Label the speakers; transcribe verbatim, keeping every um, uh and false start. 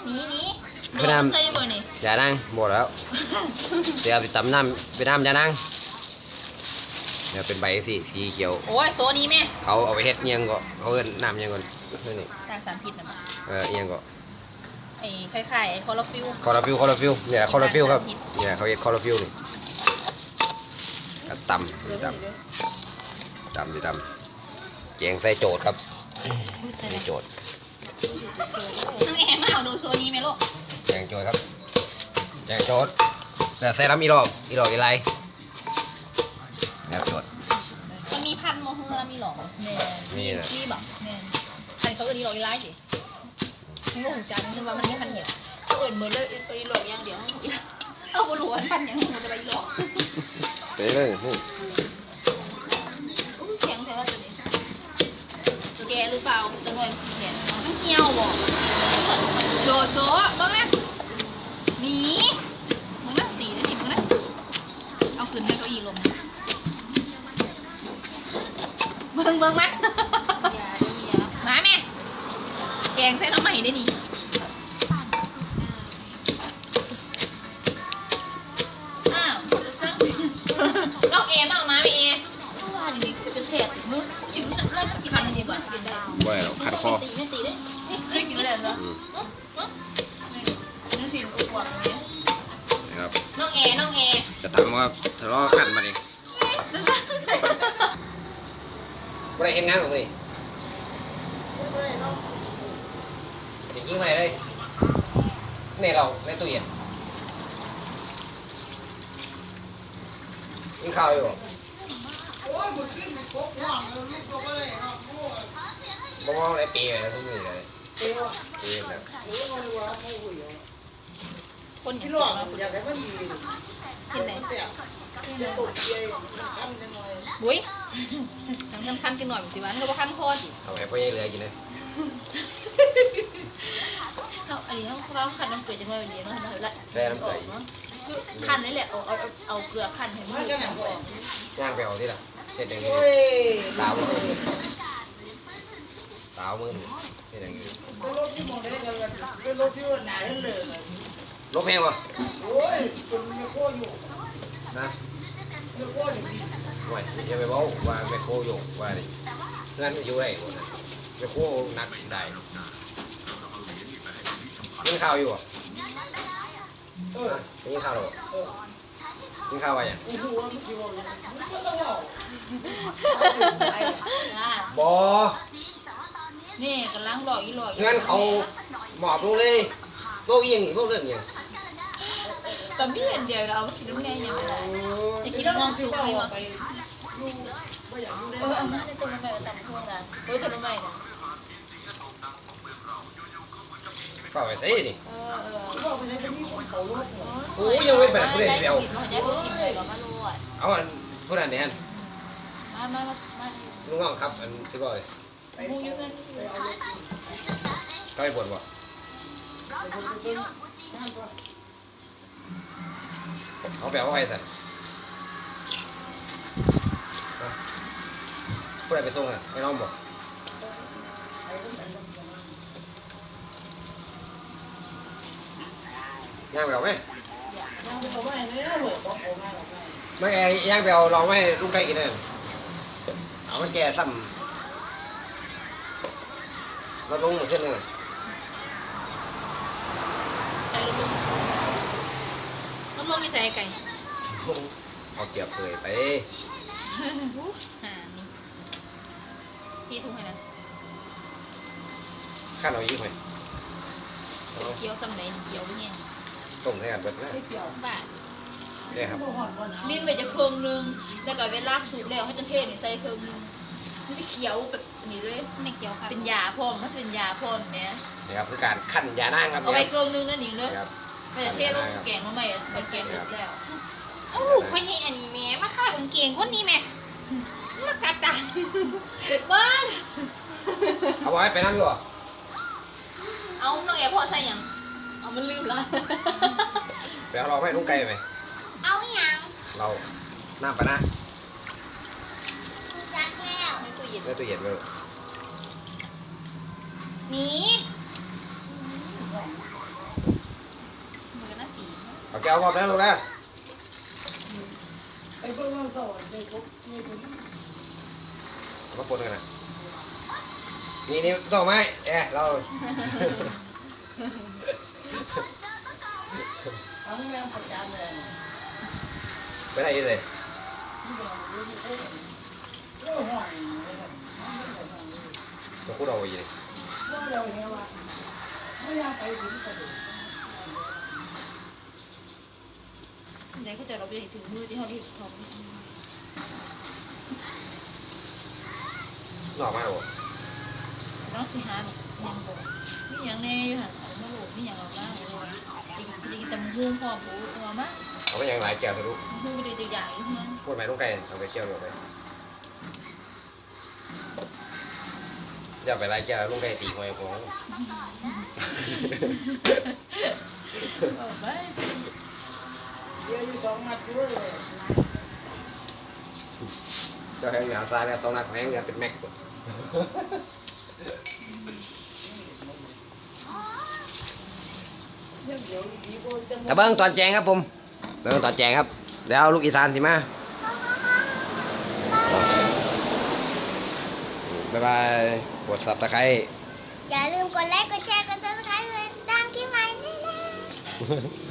Speaker 1: นี่นี่
Speaker 2: ไปน้ำ
Speaker 1: ใส่เบอร์นี่
Speaker 2: อย่านั่งหมดแล้วเดี๋ยวไปตำน้ำไปน้ำอย่านั่งเดี๋ยวเป็นใบสีสีเขียว
Speaker 1: โอ้ยโซนี้แม่
Speaker 2: เขาเอาไปเฮ็ดเอียงก็เขาเอิ้นน้ำเอียงก่อนนี่
Speaker 1: ต่างสารพิษนะมั้ง
Speaker 2: เออเอียงก็
Speaker 1: ไอ้คล้ายๆไอ้คอร์ฟิล
Speaker 2: คอร์ฟิลคอร์ฟิลเนี่ยคอร์ฟิลครับเนี่ยเขาเฮ็ดคอร์ฟิลนี่ก็ตำนี่ตำตำนี่ตำแกงใส่โจดครับนี่โจด
Speaker 1: น้องแอมมาเอาดูโซนี้ไหมลูก
Speaker 2: แกงโจดครับแกงโจดแต่ใส่น้ำอีหลอกอีหลอกอีไรแบบโจด
Speaker 1: มันมีพันโมเฮอร์แล้วมีหรอแม่
Speaker 2: มีนะ
Speaker 1: มีบอกแม่พันเขาเอินอีหลอกอีไลสิมันก็หูจันคือว่ามันไม่พันเหี่ยวเขาเอินเหมือนเลยอีหลอกอย่างเดียวเอาบรัวพันอย่างมันจะไปอีหลอก
Speaker 2: ไปเลยนี่
Speaker 1: แข็งแท้ว่าตัวนี้แกหรือเปล่าตัวหน่วยมันแข็งมันเหี่ยวบอกโดดโซ่บ้างนะหนีมึงนะตีนะทีมึงนะเอาขึ้นในเก้าอี้ลมนะมึงเบิ่งมั้ยมาแม่แกงใส่น้ำใหม่ได้นี่อ้าวน้องเอมาเอามาไม่เอว่าดีๆจะเสียดมึงอยู่นั่นแล้วกินอะไรดีกว่ากินได้
Speaker 2: บ่ได้หรอกขัดคอ
Speaker 1: ไม่ตีไม่ตีได้นี่เคยกินอะไรเหรอนี่สิอุบวกตรงนี้
Speaker 2: นะครับ
Speaker 1: น้องเอน้องเอ
Speaker 2: จะทำว่าทะเลาะกันมาดิบ่ได้เห็นงานของนี่จริงๆมาเลยนี่เราในตู้เย็นกินข้าวอยู่บ่มองอะไรปีเลยทุกมื้อเลยปีแบบ
Speaker 1: คนอย่าง
Speaker 3: ที่
Speaker 1: นี้
Speaker 3: หลอกอยากให้มันมี
Speaker 1: เห็นไหน
Speaker 3: เสียบจะตกเกียร์ขั้นจังเลย
Speaker 1: บุ้ยทั้งทำคันกินหน่อยสิวะนี่ก็ว่าคันคอสิ
Speaker 2: เอาไปพ่อยังเหลือกินเลย
Speaker 1: เขาอันนี้เขาเขาคันน้ำเกลือจังเลยเดี๋ยวน้องเห็นละ
Speaker 2: แซ่น้ำเกลือ
Speaker 1: คันนี่แหละเอาเอาเอาเกลือคันให้มันออก
Speaker 2: ย่างไปเอาที่ละเฮ็ดอย่างนี้
Speaker 3: โอ้ย
Speaker 2: ตาวมือตาวมือเฮ็ดอย่างนี้
Speaker 3: เป็นรถที่มองได้กันเป็นรถที่ว่าหนาเลย
Speaker 2: ลบแพงวะ
Speaker 3: โอ้ยคนมีโค้อยู่
Speaker 2: นะ
Speaker 3: มีโค้อยู่ดี
Speaker 2: ห่วยอย่าไปบอกว่าแม่โคโยกว่าดิเงินอยู่ได้หมดนะแม่โคนักได้กินข้าวอยู่อ่ะ
Speaker 3: เออ
Speaker 2: กินข้าวหรอ
Speaker 3: เออ
Speaker 2: กินข้าวอะไรอย่าง
Speaker 3: โอ้โหมันชิวเลยมันก็ต้องเอา
Speaker 2: บอ
Speaker 1: นี่กำลังหลอกอีหลอก
Speaker 2: เงินเขาหมอบลงเลยพวกยังนี่พวกเรื่องยัง
Speaker 1: แต่ไม่เห็นเดียวเราคิดน้ำแน่ยังไงจะคิดมองสูงไปมั้ง
Speaker 3: ไปดูว่าอย่างนี้
Speaker 1: เออเอาหน้าในตัวน้ำใหม่ต่ำพวกนั้นเออตัวน้ำใหม่นะ
Speaker 2: ก็ไปตีนี่
Speaker 1: เออเออ
Speaker 3: ว่าไปใช้เป็นที่ของเขารถเหรอ
Speaker 2: โอ้ยยังไม่เป็นผู้ใดเดียว
Speaker 1: กินมันได้กินเลยก็มาลวด
Speaker 2: เอาอันผู้นั้นเนี่ย
Speaker 1: มามามามา
Speaker 2: ลุงน้องครับอันสิบร้อย
Speaker 1: มูอยู่กัน
Speaker 2: เขาไปปวดบ่เขาไปเอาไปสั่นผู้ใดไปส่งอ่ะไม่น้องบอกย่างไปเอาไหม
Speaker 3: ยังไม่เอาไว้เนี่ยเหรอบอกเอาไว้เอาไว้
Speaker 2: ไม่ไงย่างไปเอาลองไว้ลุงไก่กินเลยเอามันแก่ซ้ำเราลงหนึ่งขึ้นหนึ่ง
Speaker 1: ใส่ลมลมลมมีใส่ไก่
Speaker 2: เอาเกียบเผยไป
Speaker 1: อ่านี่พี่ทุ่งให้นะ
Speaker 2: ขั้นเอาอีกไหม
Speaker 1: เกี๊ยวซ้ำไหนเกี๊ยวเนี่ย
Speaker 2: ต้มให้กันเบิดนะ
Speaker 3: ไม่เกี่ยว
Speaker 1: บาท
Speaker 2: นี่ครับ
Speaker 3: ไม่ห่อนก่อนนะ
Speaker 1: ลิ้นไปจะเครื่องนึงแล้วก็เวลาสูบแล้วให้จนเทศนี่ใส่เครื่องนึงมันจะเคี้ยวแบบนี้เลยไม่เคี้ยวค่ะเป็นยาพร้อมมันเป็นยาพร้อมแม่
Speaker 2: นี่ครับคือการขั้นยานางครับ
Speaker 1: เอาไปเครื่องนึงนั่นนี่เลย
Speaker 2: ครับ
Speaker 1: ไม่จะเทศลงแกงมาใหม่เป็นแกงสุกแล้วโอ้คนนี้อันนี้แม่มาขายเป็นเกงคนนี้แม่มากัดจ้ะบ้าน
Speaker 2: เอาไว้ไปน้ำอยู่อ่ะ
Speaker 1: เอาน้องแอบพอใส่ยังเอามันลืมละ
Speaker 2: ไปเอาเราให้ลุงไก่ไหม
Speaker 1: เอาอย่าง
Speaker 2: เราน้ำปะนะ
Speaker 1: จัดแล้วในตู้เย็น
Speaker 2: ในตู้เย็นไปลูก
Speaker 1: นี่
Speaker 2: เอาแก้วพร้อมแล้วลูกนะ
Speaker 3: ไอ้พวกมันสอนไอ้พวกนี่เป็น
Speaker 2: เอามาปนกันนะนี่นี่ต้องไหมเอ๊ะเรา
Speaker 3: ทั้งแม่ประจานเลย
Speaker 2: ไปไหนเลย
Speaker 3: ที่เราดูที่เขาเรื่องห้องเลยครับ
Speaker 2: ตัวคู่เราไปยิง
Speaker 3: ว่าเราเห็นว่าไม่อยากไปถึงกระดูก
Speaker 1: ไหนก็จะเราไปถึงมือที่เขาที่เขา
Speaker 2: หนอกมากหรอ
Speaker 1: น้องสิหาเนี่ยยังบอกนี่ยังแน่อยู่หันเอามาโหลดนี่ยังเอามาเลยจริงจริงแต่มึงหุ้มพ่อผูตัวมะ
Speaker 2: เอาไปยังหลายแก้วทะลุ
Speaker 1: หุ้มไปใหญ่ๆนะ
Speaker 2: พูดไหมลูกไก่เอาไปแก้วเดียวไปอย่าไปหลายแก้วลูกไก่ตีหัวไอ้ของ
Speaker 1: เอาไป
Speaker 3: เดี๋ยวอยู่สองมัดด้วยเลย
Speaker 2: เจ้าแห้งเหนือซ้ายแล้วสองนักแห้งเหนือเป็นแม็ก
Speaker 3: เดี๋ยวเดี๋ยวดีกว่าจะ
Speaker 2: ตะเบิ้งตอนแจงครับผมตะเบิ้งตอนแจงครับเดี๋ยวเอาลูกอีสานสิมาบ๊ายบายกดซับตะไคร้
Speaker 4: อย่าลืมกดไลค์ กดแชร์ กดซับสไครต์เลยดังที่ใหม่นี่นะ